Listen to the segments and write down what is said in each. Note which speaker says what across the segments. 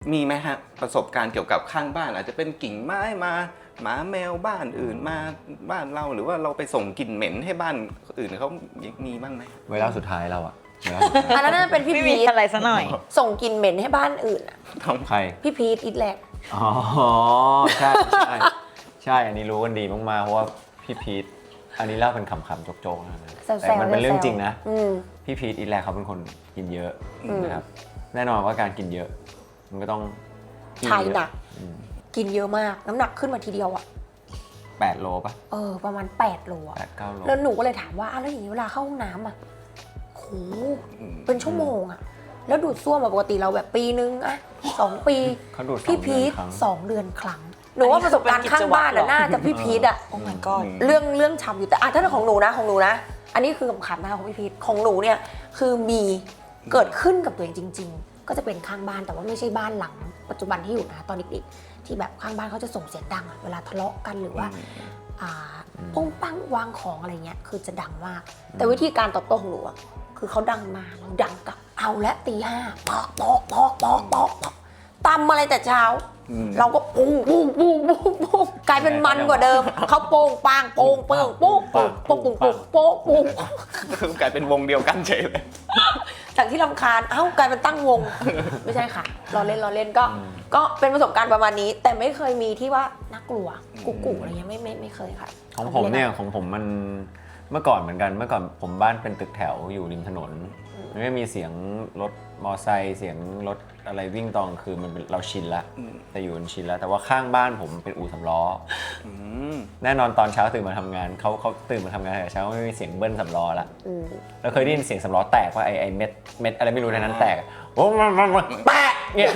Speaker 1: มีไหมฮะประสบการณ์เกี่ยวกับข้างบ้านอาจจะเป็นกิ่งไม้มาหมาแมวบ้านอื่นมาบ้านเราหรือว่าเราไปส่งกลิ่นเหม็นให้บ้านอื่นเขามีบ้างไหม
Speaker 2: เวลาสุดท้ายเราอะ
Speaker 3: อันนั้นเป็นพี่
Speaker 4: ไม่
Speaker 3: พี
Speaker 4: มี
Speaker 3: ท
Speaker 4: อะไรซะหน่อย
Speaker 3: ส่งกลิ่นเหม็นให้บ้านอื่นอะ
Speaker 2: ใคร
Speaker 3: พี่พีทอิทแลก
Speaker 2: อ๋อใช่ใช่ใช่อันนี้รู้กันดีมากๆเพราะว่าพี่พีทอันนี้เล่าเป็นขำๆโจ๊กๆนะแต่มันเป็นเรื่องจริงนะพี่พีทอีแลกเขาเป็นคนกินเยอะนะครับแน่นอนว่าการกินเยอะมันก็ต้อง
Speaker 3: ถ่ายหนักกินเยอะมากน้ำหนักขึ้นมาทีเดียวอะ
Speaker 2: 8 โลป่ะ
Speaker 3: ประมาณ8 โลอะ
Speaker 2: 8-9 โล
Speaker 3: แล้วหนูก็เลยถามว่าแล้วอย่างนี้เวลาเข้าห้องน้ำอะโหเป็นชั่วโมงอะแล้วดูดซ่วมปกติเราแบบปีนึงอะ2 ปี
Speaker 2: เขาดูด
Speaker 3: พี่พีท 2 เดือนครั้งหนูว่าประสบการณ์ข้างบ้านน่าจะพี่พีทอะ
Speaker 4: โอ้ my god
Speaker 3: เรื่องทำอยู่แต่ถ้าเป็นของหนูนะอันนี้คือขำๆนะคะของพี่พีทของหนูเนี่ยคือมีเกิดขึ้นกับตัวเองจริง ๆ ก็จะเป็นข้างบ้านแต่ว่าไม่ใช่บ้านหลังปัจจุบันที่อยู่นะตอนเด็กๆที่แบบข้างบ้านเขาจะส่งเสียงดังอะเวลาทะเลาะกันหรือว่าปุ้งปังวางของอะไรเงี้ยคือจะดังมาก แต่วิธีการตอบโต้ของหนูอะคือเขาดังมาเราดังกลับเอาและตี 5ปอกตำอะไรแต่เช้าเราก็ปุ้งกลายเป็นมันกว่าเดิมเขาโป่งปังโป่ง
Speaker 1: กลายเป็นวงเดียวกันเฉยเลย
Speaker 3: จากที่รำคาญกลายเป็นตั้งวงไม่ใช่ค่ะเราเล่นก็เป็นประสบการณ์ประมาณนี้แต่ไม่เคยมีที่ว่าน่ากลัวกุอะไรเงี้ยไม่เคยค่ะ
Speaker 2: ของผมมันเมื่อก่อนเหมือนกันเมื่อก่อนผมบ้านเป็นตึกแถวอยู่ริมถนนมันไม่มีเสียงรถมอไซค์เสียงรถอะไรวิ่งตอนคือมันเราชินละแต่อยู่มันชินแล้วแต่ว่าข้างบ้านผมเป็นอู่สำล้อแน่นอนตอนเช้าตื่นมาทำงานเขาตื่นมาทำงานแต่เช้าไม่มีเสียงเบิ้ลสำล้อละแล้วเคยได้ยินเสียงสำล้อแตกว่าไอเม็ดอะไรไม่รู้ในนั้นแตกโอ้มันแปะเนี่ย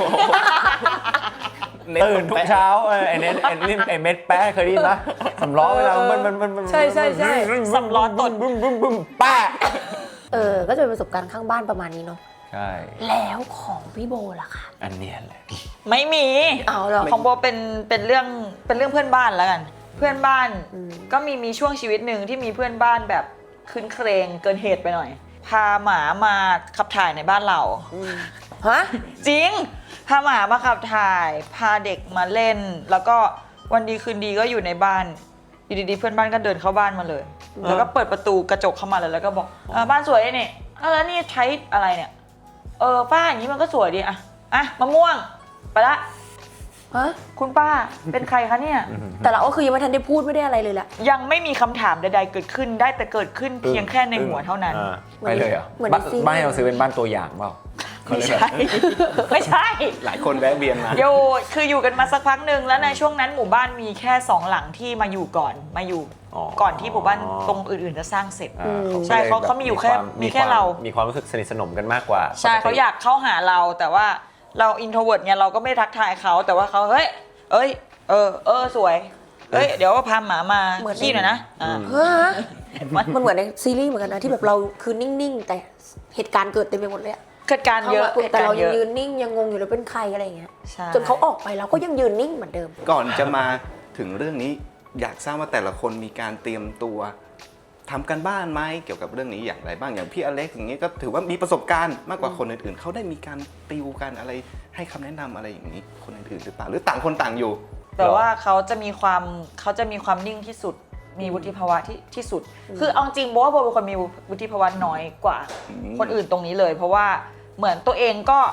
Speaker 2: ตื่นทุกเช้าไอ้เม็ดแป้เคยได้ยินปะสำล้อเวลามัน
Speaker 3: ใช่
Speaker 4: สำล้อตด
Speaker 2: บึ้มแป้
Speaker 3: ก็จะเป็นประสบการณ์ข้างบ้านประมาณนี้เนาะ
Speaker 2: ใช่
Speaker 3: แล้วของพี่โบล่ะคะ
Speaker 2: อันเนี้ยแหละ
Speaker 4: ไม่มี
Speaker 3: เหรอ
Speaker 4: ของโบเป็นเรื่องเพื่อนบ้านแล้วกันเพื่อนบ้านก็มีช่วงชีวิตหนึ่งที่มีเพื่อนบ้านแบบคืนเครงเกินเหตุไปหน่อยพาหมามาขับถ่ายในบ้านเรา
Speaker 3: ฮะ
Speaker 4: จริงพาหมามาขับถ่ายพาเด็กมาเล่นแล้วก็วันดีคืนดีก็อยู่ในบ้านอยู่ดีๆเพื่อนบ้านก็เดินเข้าบ้านมาเลยแล้วก็เปิดประตูกระจกเข้ามาเลยแล้วก็บอกบ้านสวยนี่แล้วนี่ใช้อะไรเนี่ยป้าอย่างนี้มันก็สวยดีอ่ะมะม่วงไปละคุณป้าเป็นใครคะเนี่ย
Speaker 3: แต่เราก็คือยังไม่ทันได้พูดไม่ได้อะไรเลยแหละ
Speaker 4: ยังไม่มีคำถามใดๆเกิดขึ้นได้แต่เกิดขึ้นเพียงแค่ในหัวเท่านั้น
Speaker 2: ไปเลยเหรอบ้านเราซื้อเป็นบ้านตัวอย่างเปล่า
Speaker 4: ไม่ใช่
Speaker 1: หลายคนแวะเวียนมา
Speaker 4: คืออยู่กันมาสักพักหนึ่งแล้วในช่วงนั้นหมู่บ้านมีแค่2 หลังที่มาอยู่ก่อนที่หมู่บ้านตรงอื่นๆจะสร้างเสร็จใช่เขามีอยู่แค่เรา
Speaker 2: มีความรู้สึกสนิทสนมกันมากกว่า
Speaker 4: ใช่เขาอยากเข้าหาเราแต่ว่าเราอินโทรเวิร์ตเนี่ยเราก็ไม่ทักทายเขาแต่ว่าเขาเฮ้ยสวยเดี๋ยวพาหมามาขี้หน่อยนะ
Speaker 3: มันเหมือนในซีรีส์เหมือนกันนะที่แบบเราคือนิ่งๆแต่เหตุการณ์เกิดเต็มไปหมดเลย
Speaker 4: เหตุการณ์เยอะ
Speaker 3: แต่เรายังยืนนิ่งยังงงอยู่เลยเป็นใครอะไรอย่างเงี้ยจนเขาออกไปเราก็ยังยืนนิ่งเหมือนเดิม
Speaker 1: ก่อนจะมาถึงเรื่องนี้อยากทราบว่าแต่ละคนมีการเตรียมตัวทำกันบ้านไหมเกี่ยวกับเรื่องนี้อย่างไรบ้างอย่างพี่อเล็กอย่างนี้ก็ถือว่ามีประสบการณ์มากกว่าคนอื่นๆเขาได้มีการติวกันอะไรให้คำแนะนำอะไรอย่างนี้คนอื่นๆหรือเปล่าหรือต่างคนต่างอยู่
Speaker 4: แต่ว่าเขาจะมีความนิ่งที่สุดมีวุฒิภาวะที่สุดคือเอาจริงโบว่าโบเป็นคนมีวุฒิภาวะน้อยกว่าคนอื่นตรงนี้เลยเพราะว่าเหมือนตัวเองก็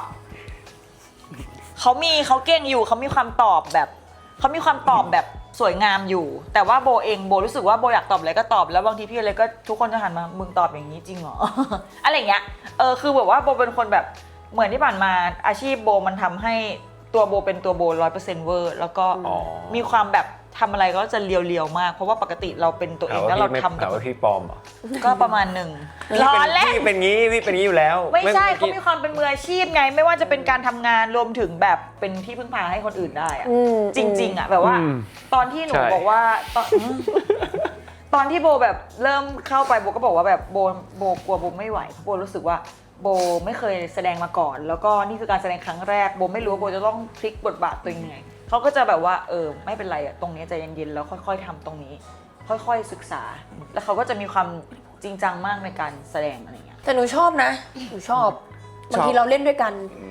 Speaker 4: เขาเก่งอยู่เขามีความตอบแบบสวยงามอยู่แต่ว่าโบรู้สึกว่าโบอยากตอบอะไรก็ตอบแล้วบางทีพี่อะไรก็ทุกคนจะหันมามึงตอบอย่างนี้จริงเหรอ อะไรเงี้ยคือแบบว่าโบเป็นคนแบบเหมือนที่ผ่านมาอาชีพโบมันทำให้ตัวโบเป็นตัวโบ 100% เวอร์แล้วก็มีความแบบทำอะไรก็จะเลียวๆมากเพราะว่าปกติเราเป็นตัวเองแล้วเราทำ
Speaker 2: กับพี่ปอมเหรอ
Speaker 4: ก็ประมาณหนึ่งล้อเล่น
Speaker 2: พี่เป็นงี้อยู่แล้ว
Speaker 4: ไม่ใช่เขามีความเป็นมืออาชีพไงไม่ว่าจะเป็นการทำงานรวมถึงแบบเป็นที่พึ่งพาให้คนอื่นได้อะจริงๆอะแบบว่าตอนที่หนูบอกว่าตอนที่โบแบบเริ่มเข้าไปโบก็บอกว่าแบบโบกลัวโบไม่ไหวเพราะโบรู้สึกว่าโบไม่เคยแสดงมาก่อนแล้วก็นี่คือการแสดงครั้งแรกโบไม่รู้ว่าโบจะต้องพลิกบทบาทตัวเองยังไงเขาก็จะแบบว่าไม่เป็นไรอะตรงนี้ใจเย็นๆแล้วค่อยๆทำตรงนี้ค่อยๆศึกษาแล้วเขาก็จะมีความจริงจังมากในการแสดงอะไรเงี้ย
Speaker 3: แต่หนูชอบนะหนูชอบบางทีเราเล่นด้วยกัน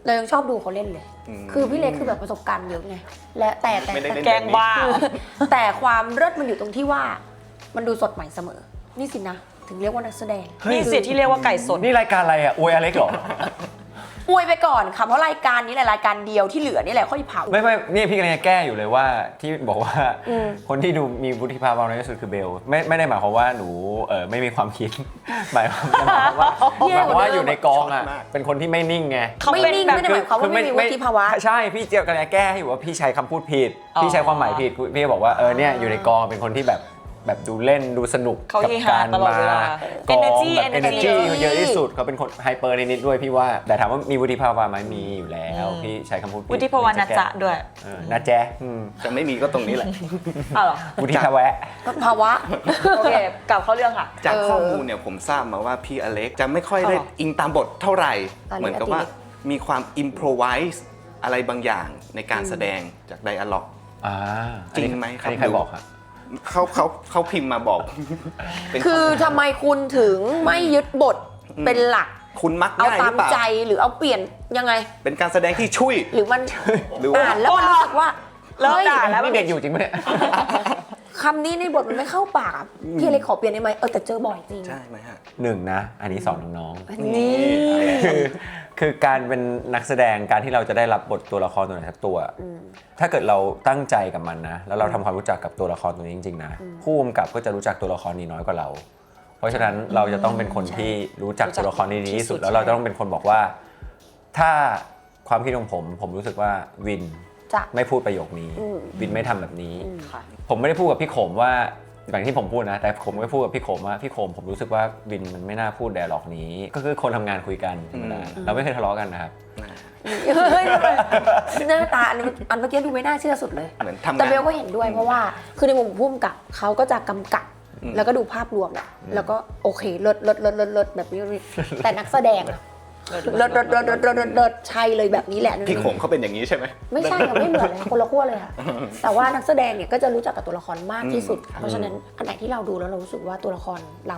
Speaker 3: เรายังชอบดูเขาเล่นเลย คือพี่เล็กคือแบบประสบการณ์เยอะไงและแต่
Speaker 1: ไม่ได้เล่น
Speaker 4: แกงบ้า
Speaker 3: แต่ความเลิศมันอยู่ตรงที่ว่ามันดูสดใหม่เสมอ นี่สินะ ถึงเรียกว่านักแสดง
Speaker 4: นี่สิที่เรียกว่าไก่สด
Speaker 2: นี่รายการอะไรอ่ะอวยอเล็กเหรอ
Speaker 3: อวยไปก่อนค่ะเพราะรายการนี้แหละรายการเดียวที่เหลือนี่แหละค่อยเผา
Speaker 2: ไม่นี่พี่กำลังจะแก้อยู่เลยว่าที่บอกว่าคนที่ดูมีวุฒิภาวะน้อยที่สุดคือเบลไม่ได้หมายความว่าหนูไม่มีความคิด หมายความว่าอยู่ในกองอ่ะเป็นคนที่ไม่นิ่งไง
Speaker 4: เขา
Speaker 3: ไม่
Speaker 4: เป็น
Speaker 3: นิ่ง
Speaker 4: แบบ
Speaker 3: ไม่ได้หมายความว่าไม่มีวุฒิภาวะ
Speaker 2: ใช่พี่เจียวกำลังจะแก้ให้อยู่ว่าพี่ใช้คำพูดผิดพี่ใช้ความหมายผิดพี่ก็บอกว่าเนี่ยอยู่ในกองเป็นคนที่แบบดูเล่นดูสนุก
Speaker 4: เขา
Speaker 2: กั
Speaker 4: เฮฮา
Speaker 2: การ
Speaker 4: ตลอด
Speaker 2: มา
Speaker 4: เวลา
Speaker 2: กอง
Speaker 4: Energy
Speaker 2: แบบ
Speaker 4: Energy
Speaker 2: energy เยอะที่สุดเขาเป็นคนไฮเปอร์นิดๆด้วยพี่ว่าแต่ถามว่ามีวุฒิภาวะไหมมีอยู่แล้วพี่ใช้คำพูดผิด
Speaker 4: วุฒิภาวะนะจ๊ะด้วย
Speaker 2: นะแจ๊ะ
Speaker 1: จะไม่มีก็ตรงนี้แหละ
Speaker 4: อ้าวเหรอ
Speaker 2: วุฒิภาวะ
Speaker 3: ภาวะ
Speaker 4: โอเคกลับเข้าเรื่องค่ะ
Speaker 1: จากข้อมูลเนี่ยผมทราบมาว่าพี่อเล็กจะไม่ค่อยได้อิงตามบทเท่าไหร่ เหมือนกับว่ามีความอิมพรไวส์อะไรบางอย่างในการแสดงจากไดอะล็อก จริงไหมครับ
Speaker 2: อันนี้ใครบอกครับ
Speaker 1: เขาพิมพ์มาบอก เป็น
Speaker 3: คือทำไมคุณถึงไม่ยึดบทเป็นหลัก
Speaker 1: คุณมัก
Speaker 3: เอา
Speaker 1: ง่ายห
Speaker 3: ตา
Speaker 1: รื
Speaker 3: ม
Speaker 1: อเปล่า
Speaker 3: ใจหรือเอาเปลี่ยนยังไง
Speaker 1: เป็นการแสดงที่ช่วย
Speaker 3: หรือมัน
Speaker 1: หรือว่า
Speaker 3: อ่านแล้วมันรู้สึกว่า
Speaker 4: เริ่ม
Speaker 3: เฮ้ย
Speaker 4: ด่าแล้ว
Speaker 2: นี่เด็กอยู่จริงไหมเนี่ย
Speaker 3: คำนี้ในบทมันไม่เข้าปากอะพี่เลยขอเปลี่ยนได้ไหมแต่เจอบ่อยจริง
Speaker 1: ใช่ไหมฮะ
Speaker 2: หนึ่งนะ อันนี้สอนน้อง
Speaker 3: นี่
Speaker 2: ๆคือการเป็นนักแสดงการที่เราจะได้รับบทตัวละครตัวไหนสักตัว ถ้าเกิดเราตั้งใจกับมันนะ แล้วเราทำความรู้จักกับตัวละครตัวนี้จริงๆนะผู้กำกับก็จะรู้จักตัวละครนี้น้อยกว่าเรา เพราะฉะนั้นเราจะต้องเป็นคนที่รู้จักตัวละครนี้ดีที่สุด แล้วเราจะต้องเป็นคนบอกว่า ถ้าความคิดของผมรู้สึกว่าวิน
Speaker 3: จะ
Speaker 2: ไม่พูดประโยคนี้ วินไม่ทำแบบนี้
Speaker 4: ค่ะ
Speaker 2: ผมไม่ได้พูดกับพี่โขมว่าอย่างที่ผมพูดนะ แต่ผมก็พูดกับพี่โขมว่าพี่โขมผมรู้สึกว่าวินมันไม่น่าพูดไดอะล็อกนี้ ก็คือคนทำงานคุยกันธรรมดาเราไม่เคยทะเลาะกันนะครับ
Speaker 3: เฮ้ยหน้าตาอันเมื่อกี้ดูไม่น่าเชื่อสุดเลย
Speaker 1: เหมือนทำงาน
Speaker 3: แต่เบลก็เห็นด้วยเพราะว่าคือในมุมผู้กำกับเขาก็จะกำกับ แล้วก็ดูภาพรวมแหละแล้วก็โอเคเลิศแบบนี้แต่นักแสดงอะเลิศใช่เลยแบบนี้แหละ
Speaker 1: พี่โขงเขาเป็นอย่างนี้ใช่ไหม
Speaker 3: ไม่ใช่ค่ะไม่เหมือนเลยคนละขั้วเลยค่ะแต่ว่านักแสดงเนี่ยก็จะรู้จักกับตัวละครมากที่สุด เพราะฉะนั้นอันไหนที่เราดูแล้วเรารู้สึกว่าตัวละครเรา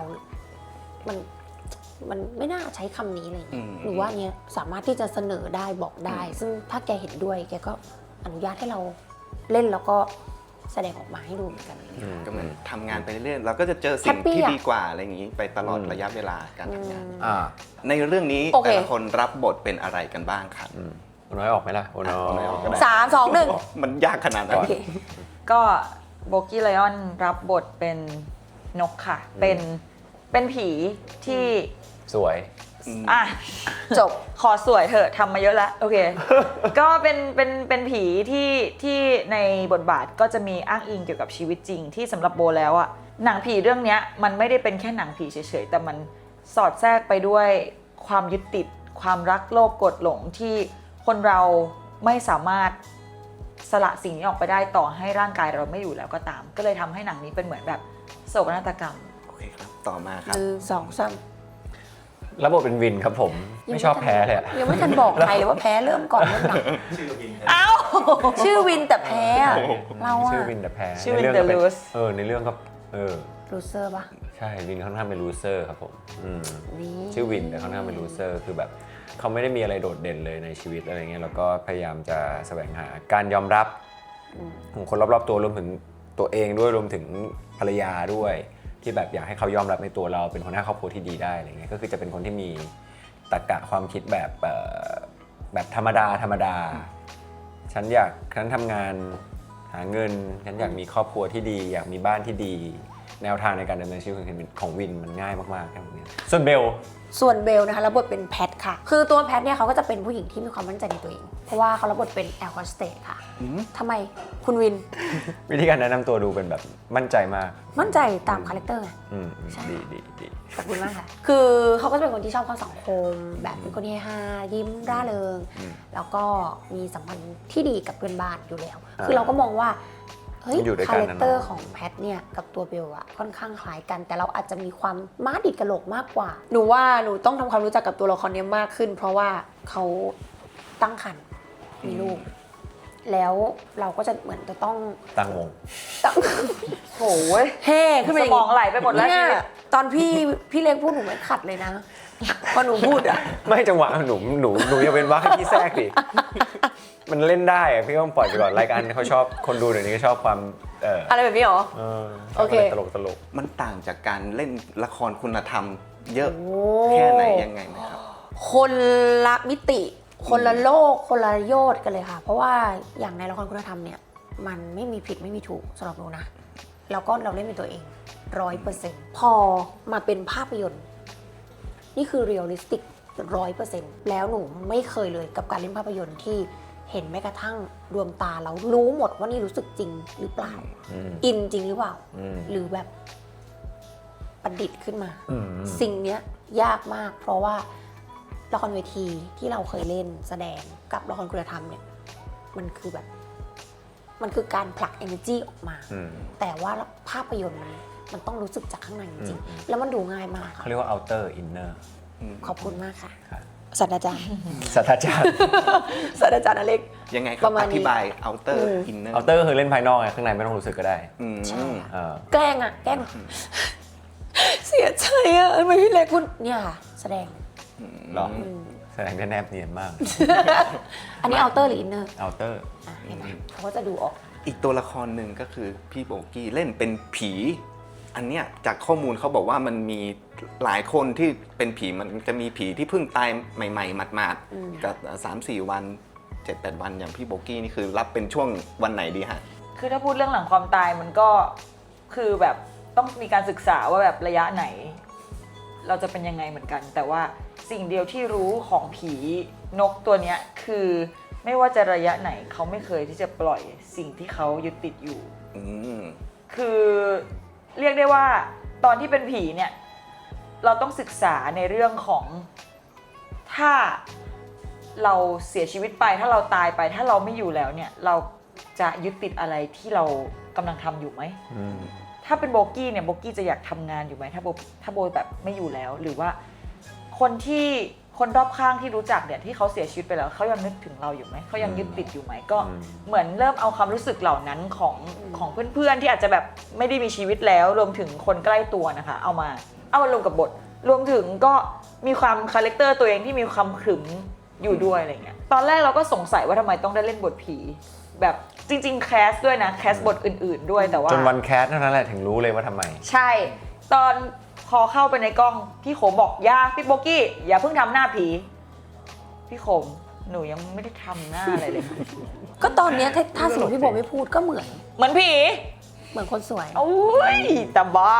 Speaker 3: มันไม่น่าใช้คำนี้อะไรอย่างเลยหรือว่าเนี้ยสามารถที่จะเสนอได้บอกได้ ซึ่งถ้าแกเห็นด้วยแกก็อนุญาตให้เราเล่นแล้วก็แสดงออกมาให้ดูเหมือนกัน
Speaker 1: ก็เหมือนทำงานไปเรื่อยๆเราก็จะเจอสิ่ง
Speaker 3: Happy
Speaker 1: ที่
Speaker 3: อะ
Speaker 1: ดีกว่าอะไรอย่างนี้ไปตลอดระยะเวลาการทำงาน
Speaker 2: อ่า
Speaker 1: ในเรื่องนี้
Speaker 3: โอเค
Speaker 1: แต่ละคนรับบทเป็นอะไรกันบ้างครับ
Speaker 2: โอน้อยออกไหมล่ะโอน้
Speaker 1: โอน้อยออกก็ได้
Speaker 3: 3 2 1
Speaker 1: มันยากขนาดนั้น
Speaker 3: โอเค
Speaker 4: ก็โบกี้ไลออนรับบทเป็นนกค่ะ เป็นผีที่
Speaker 2: สวย
Speaker 4: อ่ะ
Speaker 3: จบ
Speaker 4: ขอสวยเถอะทำมาเยอะแล้วโอเค ก็เป็นผีที่ในบทบาทก็จะมีอ้างอิงเกี่ยวกับชีวิตจริงที่สำหรับโบแล้วอะหนังผีเรื่องเนี้ยมันไม่ได้เป็นแค่หนังผีเฉยๆแต่มันสอดแทรกไปด้วยความยึดติดความรักโลภโกรธหลงที่คนเราไม่สามารถสละสิ่งนี้ออกไปได้ต่อให้ร่างกายเราไม่อยู่แล้วก็ตาม ก็เลยทำให้หนังนี้เป็นเหมือนแบบโศกนาฏกรรม
Speaker 1: โอเคครับ ต่อมาครับ
Speaker 3: 1 2 3
Speaker 2: ระบบเป็นวินครับผม ไม่ชอบแพ้เลยอะ
Speaker 3: ยังไม่ทันบอกใครเลยว่าแพ้เริ่มก่อนเริ่มหลัง
Speaker 4: เอ้า
Speaker 3: ชื่อวินแต่แพ้อะเราอะ
Speaker 2: ชื่อวินแต่แพ้
Speaker 4: ชื่อวิน
Speaker 2: ในเรื่องก็
Speaker 4: แต่
Speaker 2: เป็น
Speaker 4: lose
Speaker 2: ในเรื่องก็
Speaker 3: ลูเซอร์ปะ
Speaker 2: ใช่วินค่อนข้างเป็นลูเซอร์ครับผม
Speaker 3: นี่
Speaker 2: ชื่อวินแต่ค่อนข้างเป็นลูเซอร์คือแบบเขาไม่ได้มีอะไรโดดเด่นเลยในชีวิตอะไรเงี้ยแล้วก็พยายามจะแสวงหาการยอมรับของคนรอบๆตัวรวมถึงตัวเองด้วยรวมถึงภรรยาด้วยที่แบบอยากให้เขายอมรับในตัวเราเป็นหัวหน้าครอบครัวที่ดีได้อะไรเงี้ยก็คือจะเป็นคนที่มีตรรกะความคิดแบบธรรมดาฉันทำงานหาเงินฉันอยากมีครอบครัวที่ดี อยากมีบ้านที่ดี แนวทางในการดำเนินชีวิตของวินมันง่ายมากๆครับเนี่ยส่วนเบล
Speaker 3: ส่วนเบลนะคะรับบทเป็นแพทค่ะ คือตัวแพทเนี่ยเขาก็จะเป็นผู้หญิงที่มีความมั่นใจในตัวเอง เพราะว่าเขารับบทเป็นแอร์โฮสเตสค่ะทำไมคุณวิน
Speaker 2: วิธีการแนะนำตัวดูเป็นแบบมั่นใจมาก
Speaker 3: มั่นใจตามคาแรคเตอร์ไง ใช่
Speaker 2: ดี
Speaker 3: ขอบคุณมากค่ะ คือเขาก็จะเป็นคนที่ชอบเข้าสังคม แบบเป็นคนที่ฮายิ้มร่าเริง แล้วก็มีสัมพันธ์ที่ดีกับเพื่อนบ้านอยู่แล้ว คือเราก็มองว่า เฮ้ย
Speaker 2: อยู่ด้วยกัน
Speaker 3: คา
Speaker 2: นะ
Speaker 3: แรคเตอร์ของแพทเนี่ยกับตัวเบลอะค่อนข้างคล้ายกัน แต่เราอาจจะมีความม้าดิดกระโหลกมากกว่า หนูว่าหนูต้องทำความรู้จักกับตัวละครนี้มากขึ้น เพราะว่าเขาตั้งครรภ์มีลูก แล้วเราก็จะเหมือนจะต้อง
Speaker 2: ตั้งวง
Speaker 3: ตั้ง
Speaker 4: โหย
Speaker 3: เฮ่ขึ้นไป
Speaker 4: สมองไหลไปหมดแล้ว
Speaker 3: เนี่
Speaker 4: ชี
Speaker 3: ย
Speaker 4: วิต
Speaker 3: ตอนพี่เล็กพูดหนูไม่ขัดเลยนะพอหนูพูดอะ
Speaker 2: ไม่จังหวะหนูอย่าเป็นว่าให้พี่แทรกดิมันเล่นได้อะพี่ต้องปล่อยไปก่อนรายการเขาชอบคนดูเดี๋ยวนี้ก็ชอบความ
Speaker 3: อะไรแบบนี้เหรอ โอเค
Speaker 2: ตลก
Speaker 1: มันต่างจากการเล่นละครคุณธรรมเยอะ
Speaker 3: โอ้
Speaker 1: แค่ไหนยังไงไหมครับ
Speaker 3: คนละมิติ คนละโลก คนละโยชน์กันเลยค่ะ เพราะว่าอย่างในละครคุณธรรมเนี่ยมันไม่มีผิดไม่มีถูกสำหรับหนูนะแล้วก็เราเล่นเป็นตัวเอง100%พอมาเป็นภาพยนตร์นี่คือเรียลลิสติก100%แล้วหนูไม่เคยเลยกับการเล่นภาพยนตร์ที่เห็นแม้กระทั่งดวงตาเรารู้หมดว่านี่รู้สึกจริงหรือเปล่า อินจริงหรือเปล่า หรือแบบประดิษฐ์ขึ้นมา สิ่งเนี้ยยากมากเพราะว่าละครเวทีที่เราเคยเล่นแสดงกับละครคุณธรรมเนี่ยมันคือแบบมันคือการผลัก energy ออกมา แต่ว่าภาพยนตร์มันต้องรู้สึกจากข้างในจริงๆแล้วมันดูง่ายมาก
Speaker 2: ๆ
Speaker 3: ค่ะ
Speaker 2: เขาเรียกว่า outer inner
Speaker 3: ขอบคุณมากค่ะ
Speaker 2: ครับ
Speaker 3: ศาสตราจารย์
Speaker 2: ศาสตราจารย์
Speaker 3: ศาสตราจารย์อเล็ก
Speaker 1: ยังไงค
Speaker 3: ป
Speaker 1: รับ
Speaker 3: ระมาณ
Speaker 1: อ
Speaker 3: นี้
Speaker 1: ธิบาย outer inner
Speaker 2: outer คือเล่นภายนอกไงข้างในไม่ต้องรู้สึกก็ได้
Speaker 3: ใช่
Speaker 2: เออ
Speaker 3: แกล้งอะแกล้งเสียใจอะทำไมพี่เล็กคุณเนี่ยค่ะ แสดง
Speaker 2: หรอแสดงได้แนบเนียนมาก
Speaker 3: อันนี้เอาเตอร์หรืออินเนอร์
Speaker 2: outer
Speaker 3: เห็นไหมเขาก็จะดูออก
Speaker 1: อีกตัวละครหนึ่งก็คือพี่โบกี้เล่นเป็นผี อันเนี้ยจากข้อมูลเขาบอกว่ามันมีหลายคนที่เป็นผีมันจะมีผีที่เพิ่งตายใหม่ๆหมาดๆกับ3-4 วัน 7-8 วันอย่างพี่โบกี้นี่คือรับเป็นช่วงวันไหนดีฮะ
Speaker 4: คือถ้าพูดเรื่องหลังความตายมันก็คือแบบต้องมีการศึกษาว่าแบบระยะไหน เราจะเป็นยังไงเหมือนกัน แต่ว่าสิ่งเดียวที่รู้ของผีนกตัวเนี้ยคือไม่ว่าจะระยะไหนเขาไม่เคยที่จะปล่อยสิ่งที่เขายึดติดอยู่
Speaker 1: อืม
Speaker 4: คือเรียกได้ว่าตอนที่เป็นผีเนี่ยเราต้องศึกษาในเรื่องของถ้าเราเสียชีวิตไปถ้าเราตายไปถ้าเราไม่อยู่แล้วเนี่ยเราจะยึดติดอะไรที่เรากำลังทำอยู่ไหม ถ้าเป็นโบกี้เนี่ยโบกี้จะอยากทำงานอยู่ไหมถ้าโบแบบไม่อยู่แล้ว หรือว่าคนรอบข้างที่รู้จักเนี่ยที่เขาเสียชีวิตไปแล้วเขายังนึกถึงเราอยู่ไหมเขายังยึดติดอยู่ไหมก็เหมือนเริ่มเอาความรู้สึกเหล่านั้นของเพื่อนๆที่อาจจะแบบไม่ได้มีชีวิตแล้วรวมถึงคนใกล้ตัวนะคะเอามาลงกับบทรวมถึงก็มีความคาแรคเตอร์ตัวเองที่มีความขรึมอยู่ด้วยอะไรเงี้ยตอนแรกเราก็สงสัยว่าทำไมต้องได้เล่นบทผีแบบจริงๆแคสด้วยนะแคสบทอื่นๆด้วยแต่ว่า
Speaker 2: จนวันแคสเท่านั้นแหละถึงรู้เลยว่าทำไม
Speaker 4: ใช่ตอนพอเข้าไปในกล้องพี่โขมบอกอย่าพี่โบกี้อย่าเพิ่งทำหน้าผีพี่โขมหนูยังไม่ได้ทำหน้าอะไรเลย
Speaker 3: ก็ตอนเนี้ยถ้าสมมติพี่โบไม่พูดก็เหมือน
Speaker 4: เหมือนผี
Speaker 3: เหมือนคนสวย
Speaker 4: โอ้ยแต่บ้า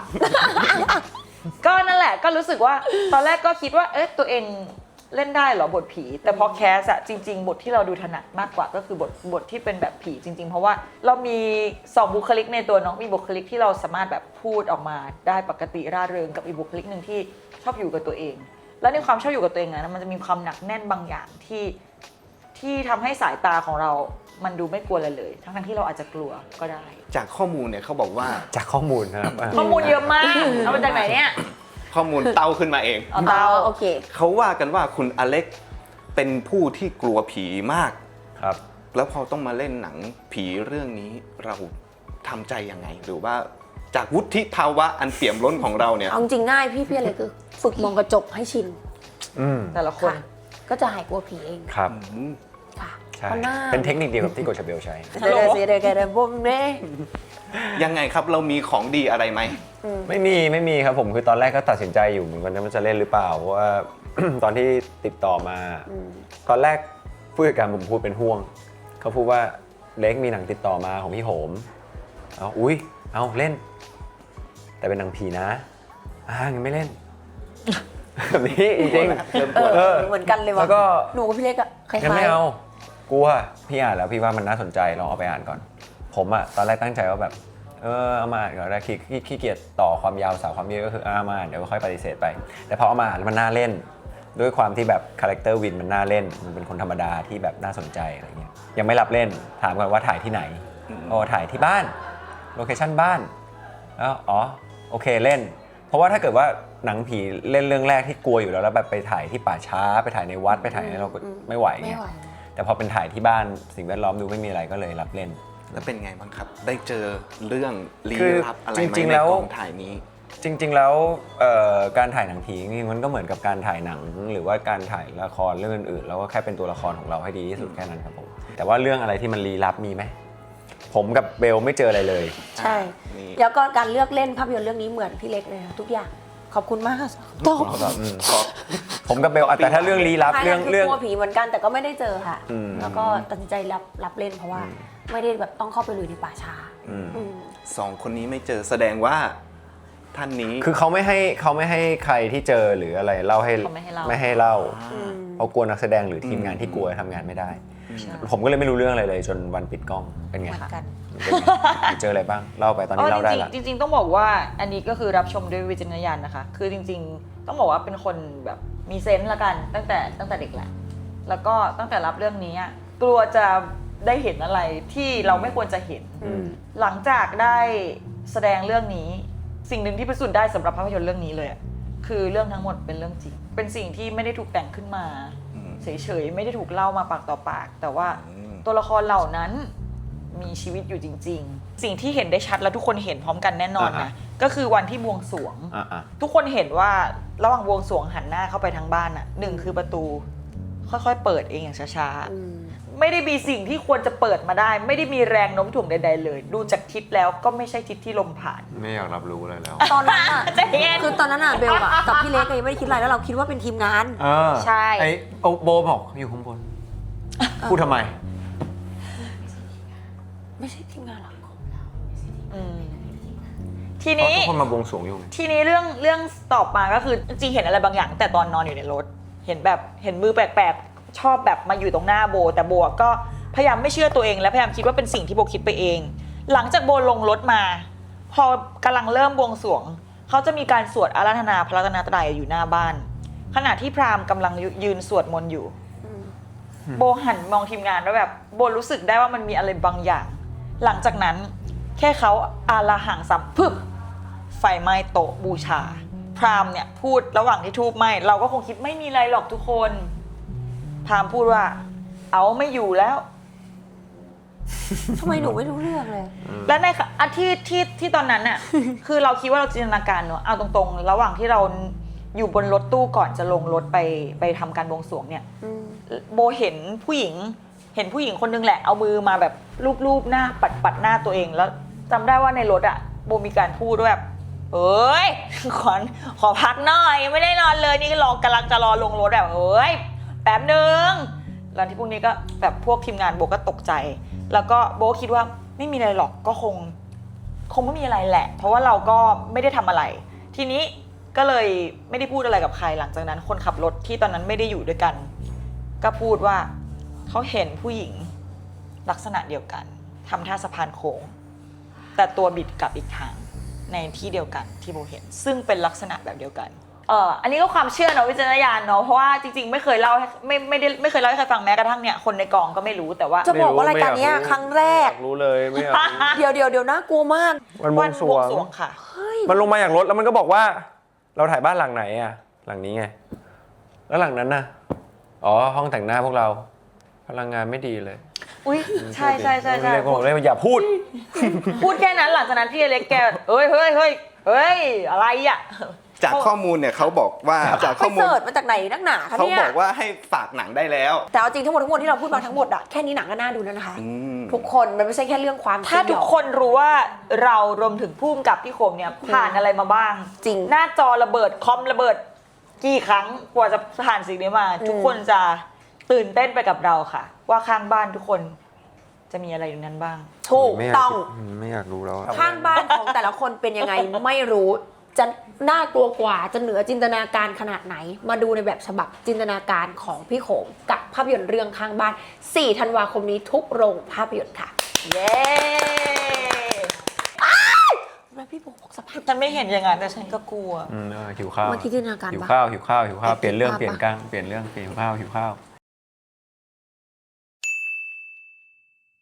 Speaker 4: ก็นั่นแหละก็รู้สึกว่าตอนแรกก็คิดว่าตัวเองเล่นได้เหรอบทผี แต่พอแคสอะจริง ๆ บทที่เราดูถนัดมากกว่าก็คือบทที่เป็นแบบผีจริง ๆ เพราะว่าเรามี2บุคลิกในตัวน้องมีบุคลิกที่เราสามารถแบบพูดออกมาได้ปกติร่าเริงกับอีกบุคลิกหนึ่งที่ชอบอยู่กับตัวเอง แล้วในความชอบอยู่กับตัวเองนะมันจะมีความหนักแน่นบางอย่างที่ทำให้สายตาของเรามันดูไม่กลัวอะไรเลยทั้งที่เราอาจจะกลัวก็ได้
Speaker 1: จากข้อมูลเนี่ยเขาบอกว่า
Speaker 2: จากข้อมูลนะครับ
Speaker 4: ข้อมูลเยอะมากเอามาจากไหนเนี่ย
Speaker 1: ข้อมูลเต้าขึ้นมาเอง
Speaker 4: เอาเตา
Speaker 3: โอเค
Speaker 1: เขาว่ากันว่าคุณอเล็กเป็นผู้ที่กลัวผีมาก
Speaker 2: ครับ
Speaker 1: แล้วพอต้องมาเล่นหนังผีเรื่องนี้เราทำใจยังไง หรือว่าจากวุฒิภาวะอันเปี่ยมล้นของเราเนี่ย
Speaker 3: เอาจริงง่ายพี่อะไรคือฝึกมองกระจกให้ชิน
Speaker 4: แต่ละคน
Speaker 3: ค่ะ ก็จะหายกลัวผีเอง
Speaker 2: ครับ
Speaker 3: ค่ะ
Speaker 2: ใช่
Speaker 3: เพราะหน้า
Speaker 2: เป็นเทคนิคเดียวกับที่โกชาเบลใช้
Speaker 3: เดี๋ยวเดี๋ยวผมเนี่ย
Speaker 1: ยังไงครับเรามีของดีอะไรไหม
Speaker 2: ไม่มีครับผมคือตอนแรกก็ตัดสินใจอยู่เหมือนกันว่าจะเล่นหรือเปล่าเพราะว่า ตอนที่ติดต่อมา ตอนแรกผู้จัดการผมพูดเป็นห่วงเขาพูดว่าเล็กมีหนังติดต่อมาของพี่โหมเอาเล่น แต่เป็นหนังผีนะงั้นไม่เล่น แบบนี้จริงๆ
Speaker 3: เหมือนกันเลยว่ะ
Speaker 2: แล้วก็
Speaker 3: หนูกับพี่เล็กอะคล้าย
Speaker 2: งั้นไม่เอากลัวพี่อ่านแล้วพี่ว่ามันน่าสนใจลองเอาไปอ่านก่อน ผมอะตอนแรกตั้งใจว่าแบบเอามาอ่านก่อนแล้วขี้เกียจต่อความยาวสาวความยืดก็คือเอามาอ่านเดี๋ยวค่อยปฏิเสธไป แต่พอเอามาอ่านแล้วมันน่าเล่น ด้วยความที่แบบคาแรคเตอร์วินมันน่าเล่นมันเป็นคนธรรมดาที่แบบน่าสนใจอะไรเงี้ยยังไม่รับเล่นถามก่อนว่าถ่ายที่ไหนถ่ายที่บ้านโลเคชั่นบ้านแล้วโอเคเล่น เพราะว่าถ้าเกิดว่าหนังผีเล่นเรื่องแรกที่กลัวอยู่แล้วแบบไปถ่ายที่ป่าช้าไปถ่ายในวัดไปถ่ายเราก็ไม่ไหว
Speaker 3: ไม่
Speaker 2: เงี้ย
Speaker 3: ไหว
Speaker 2: แต่พอเป็นถ่ายที่บ้านสิ่งแวดล้อมดูไม่มีอะไรก็เลยรับเล่น
Speaker 1: แล้วเป็นไงบ้างครับ ได้เจอเรื่องลี้
Speaker 2: คือ
Speaker 1: ลับอะไรไหม
Speaker 2: จริงๆ
Speaker 1: ใน
Speaker 2: แล้ว
Speaker 1: กองถ่ายนี้
Speaker 2: จริงๆแล้วการถ่ายหนังผีจริงๆมันก็เหมือนกับการถ่ายหนังหรือว่าการถ่ายละครเรื่องอื่นๆแล้วก็แค่เป็นตัวละครของเราให้ดีที่สุดแค่นั้นครับผมแต่ว่าเรื่องอะไรที่มันลี้ลับมีไหมผมกับเบลไม่เจออะไรเลย
Speaker 3: ใช่
Speaker 1: นี่
Speaker 3: แล้วก็การเลือกเล่นภาพยนตร์เรื่องนี้เหมือนพี่เล็กเลยค่ะทุกอย่างขอบคุณมากค่ะตอบ
Speaker 2: ผมกับเบลแต่ถ้าเรื่องลี้ลับ
Speaker 3: เรื่อง
Speaker 2: เรื่อง
Speaker 3: กลัวผีเหมือนกันแต่ก็ไม่ได้เจอค่ะ
Speaker 2: อืม
Speaker 3: แล้วก็ตัดสินใจรับเล่นเพราะว่าไม่ได้แบบต้องเข้าไปลุยในป่าช้า
Speaker 2: อืม
Speaker 3: อืม
Speaker 1: สองคนนี้ไม่เจอแสดงว่าท่านนี้
Speaker 2: คือเขาไม่ให้ใครที่เจอหรืออะไรเล่าให้
Speaker 4: เขาไม่ให้เล่า
Speaker 2: ไม่ให้เล่า
Speaker 3: อืม
Speaker 2: เขากลัวนักแสดงหรือทีมงานที่กลัวทำงานไม่ได้ ผมก็เลยไม่รู้เรื่องอะไรเลยจนวันปิดกล้องเป็นไง
Speaker 3: เหมือนกัน
Speaker 2: เป็นไงเจออะไรบ้างเล่าไปตอนนี้เล่าได้ละ
Speaker 4: จริงๆต้องบอกว่าอันนี้ก็คือรับชมด้วยวิจารณญาณนะคะ คือจริงๆต้องบอกว่าเป็นคนแบบมีเซนส์ละกันตั้งแต่เด็กแหละแล้วก็ตั้งแต่รับเรื่องนี้อะกลัวจะได้เห็นอะไรที่เราไม่ควรจะเห็น หลังจากได้แสดงเรื่องนี้สิ่งหนึ่งที่พิสูจน์ได้สำหรับภาพยนตร์เรื่องนี้เลยอะคือเรื่องทั้งหมดเป็นเรื่องจริง เป็นสิ่งที่ไม่ได้ถูกแต่งขึ้นมา เฉยๆไม่ได้ถูกเล่ามาปากต่อปาก แต่ว่าตัวละครเหล่านั้นมีชีวิตอยู่จริง ๆ สิ่งที่เห็นได้ชัดแล้วทุกคนเห็นพร้อมกันแน่นอนนะก็คือวันที่บวงสรวง ทุกคนเห็นว่าระหว่างบวงสรวงหันหน้าเข้าไปทางบ้านน่ะหนึ่งคือประตูค่อยๆเปิดเองอย่างช้าๆไม่ได้มีสิ่งที่ควรจะเปิดมาได้ ไม่ได้มีแรงโน้มถ่วงใดๆเลย ดูจากทิศแล้วก็ไม่ใช่ทิศที่ลมผ่าน
Speaker 2: ไม่อยากรับรู้อะไรแล้ว
Speaker 3: ตอนนั้นอ่ะ
Speaker 4: ใจเย็น
Speaker 3: คือตอนนั้นอ่ะเบลอะกับพี่เล็กยังไม่ได้คิดอะไรแล้วเราคิดว่าเป็นทีมงาน
Speaker 4: ใช่
Speaker 2: ไอ้โบบอกอยู่ข้างบนพูดทำไม
Speaker 3: ไม่ใช่ทีมงานหรอก
Speaker 4: ทีนี้
Speaker 2: ทุกคนมาบวงสรวงอยู่ไง
Speaker 4: ทีนี้เรื่องต่อมาก็คือจริงๆเห็นอะไรบางอย่างแต่ตอนนอนอยู่ในรถเห็นแบบเห็นมือแปลกๆชอบแบบมาอยู่ตรงหน้าโบแต่โบก็พยายามไม่เชื่อตัวเองและพยายามคิดว่าเป็นสิ่งที่โบคิดไปเอง หลังจากโบลงรถมา พอกำลังเริ่มบวงสรวงเขาจะมีการสวดอาราธนาพระรัตนตรัยอยู่หน้าบ้าน ขณะที่พราหมณ์กำลังยืนสวดมนต์อยู่ โบหันมองทีมงานแล้วแบบโบรู้สึกได้ว่ามันมีอะไรบางอย่าง หลังจากนั้นแค่เขาอาราหังสัมพึบไฟไหม้โต๊ะบูชา พราหมณ์เนี่ยพูดระหว่างที่ทูบไหม้เราก็คงคิดไม่มีอะไรหรอกทุกคน พราหมณ์พูดว่า เอาไม่อยู่แล้ว
Speaker 3: ทำไมหนูไม่รู้เรื่องเลย
Speaker 4: และในอันที่ตอนนั้นน่ะ คือเราคิดว่าเราจินตนาการเนอะเอาตรงๆ ระหว่างที่เราอยู่บนรถตู้ก่อนจะลงรถไปทำการบวงสรวงเนี่ยโบเห็นผู้หญิงคนนึงแหละเอามือมาแบบรูปหน้าปัดหน้าตัวเองแล้วจำได้ว่าในรถอะโบมีการพูดด้วยแบบเอ้ยขอพักหน่อยไม่ได้นอนเลยนี่กำลังจะรอลงรถแบบเอ้ยแป๊บนึงแล้วที่พวกนี้ก็แบบพวกทีมงานโบก็ตกใจแล้วก็โบคิดว่าไม่มีอะไรหรอกก็คงไม่มีอะไรแหละเพราะว่าเราก็ไม่ได้ทำอะไรทีนี้ก็เลยไม่ได้พูดอะไรกับใครหลังจากนั้นคนขับรถที่ตอนนั้นไม่ได้อยู่ด้วยกันก็พูดว่าเขาเห็นผู้หญิงลักษณะเดียวกันทำท่าสะพานโค้งแต่ตัวบิดกลับอีกทางในที่เดียวกันที่โบเห็นซึ่งเป็นลักษณะแบบเดียวกันอันนี้ก็ความเชื่อเนาะวิจารณญาณเนาะเพราะว่าจริงๆไม่เคยเล่าให้ไม่เคยเล่าให้ใครฟังแม้กระทั่งเนี่ยคนในกองก็ไม่รู้แต่ว่า
Speaker 3: จะบอกว่ารายการเนี้ยครั้งแรก
Speaker 2: รู้เลยไม่อยากรู้
Speaker 3: เดี๋ยวนะกลัวมาก
Speaker 2: มันบวงสรวง
Speaker 4: ค่ะ
Speaker 2: มันลงมาจากรถแล้วมันก็บอกว่า เราถ่ายบ้านหลังไหนอ่ะหลังนี้ไงแล้วหลังนั้นน่ะอ๋อห้องแต่งหน้าพวกเราพลังงานไม่ดีเลย
Speaker 4: อุ้ยใช่
Speaker 2: เลยบอกเลยอย่าพูด
Speaker 4: พูดแค่นั้นหลังจากนั้นพี่อเล็กแกเฮ้ยอะไรอ่ะ
Speaker 1: จากข้อมูลเนี่ยเขาบอกว่าจาก
Speaker 3: ไป
Speaker 1: ข้อมูล
Speaker 3: เสิร์ชมาจากไหนนักหนาคะ
Speaker 1: เขา
Speaker 3: เนี่ย
Speaker 1: บอกว่าให้ฝากหนังได้แล้ว
Speaker 3: แต่เอาจริงทั้งหมดที่เราพูดมาทั้งหมดอะแค่นี้หนังก็น่าดูแล้วนะคะ
Speaker 1: อืม
Speaker 3: ทุกคนมันไม่ใช่แค่เรื่องความ
Speaker 4: ถ้าทุกคนรู้ว่าเรารวมถึงผู้กำกับพี่คมเนี่ยผ่านอะไรมาบ้าง
Speaker 3: จริง
Speaker 4: หน้าจอระเบิดคอมระเบิดกี่ครั้งกว่าจะผ่านสิ่งนี้มา ทุกคนจะตื่นเต้นไปกับเราค่ะ ว่าข้างบ้านทุกคนจะมีอะไรอยู่นั้นบ้าง
Speaker 3: ถูกต้อง
Speaker 2: ไม่อยากรู้แล้วอะ
Speaker 3: ข้างบ้านของแต่ละคนเป็นยังไง ไม่รู้จะน่ากลัวกว่าจะเหนือจินตนาการขนาดไหน มาดูในแบบฉบับจินตนาการของพี่โขมกับภาพยนตร์เรื่องข้างบ้าน 4 ธันวาคมนี้ทุกโรงภาพยนตร์ค่ะ
Speaker 4: เย้
Speaker 3: แล้วพี่โบบอกสภาพ
Speaker 4: ฉันไม่เห็นอย่างนั้นแต่ฉันก็กลัว
Speaker 2: หิวข้าว
Speaker 3: เมื่อกี้จินตนาการ
Speaker 2: หิว
Speaker 3: ปะ
Speaker 2: ข้าวหิวข้าวหิวข้าว
Speaker 3: แต่
Speaker 2: เปลี่ยนเรื่อง
Speaker 3: คิดภาพ
Speaker 2: เปลี่ยนกลางเปลี่ยนเรื่องเปลี่ยนข้าวหิวข้าว